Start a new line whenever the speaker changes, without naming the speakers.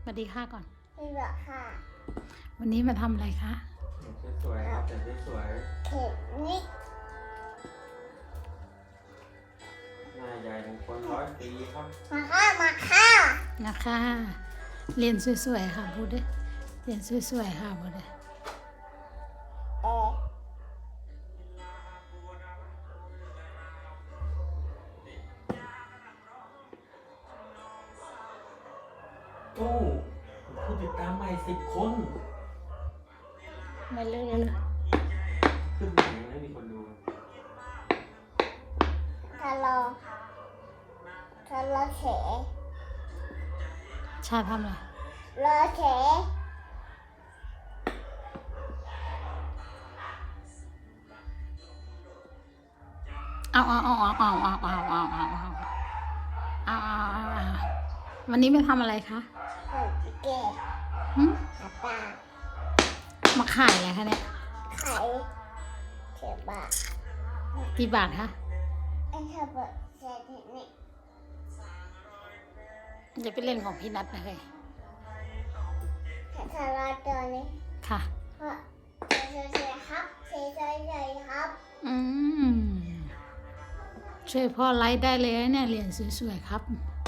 วัสดีค่ะก่อน
สวัสดีค่ะ
วันนี้มาทำอะไรคะ
สวยๆครับแต่สวย
เข็มนิด
ๆหน้าใหญ่ถึงคน100 ปีครับ
มาค่ะมาค่ะ
นะคะ เรียนสวยๆค่ะพูดดิเรียนสวยๆค่ะพูดดิ
เออ
โอ้ผู้ติดตามใหม่10 คน
ไม่เลิกเลย
ขึ้นมายังไม่มีคนดู
ทะเลาะเฉ
ชาทำอะไร
เลาเฉ
เอาวันนี้ไม่ทำอะไรคะ
หอยเก๋
หึ
อาตา
มาขายอะไรคะเนี่ย
ไข่เข็มบะ
กี่บาทคะ
ไอ้ข้าวบดเสร็จนี่
จะไปเล่นของพี่นัทนะเลย
ทะเลาะตัวนี้
ค่ะ
เพราะเฉยๆครับเฉยๆครับ
อืมช่วยพ่อไลฟ์ได้เลยนะเนี่ยเรียนสวยๆครับ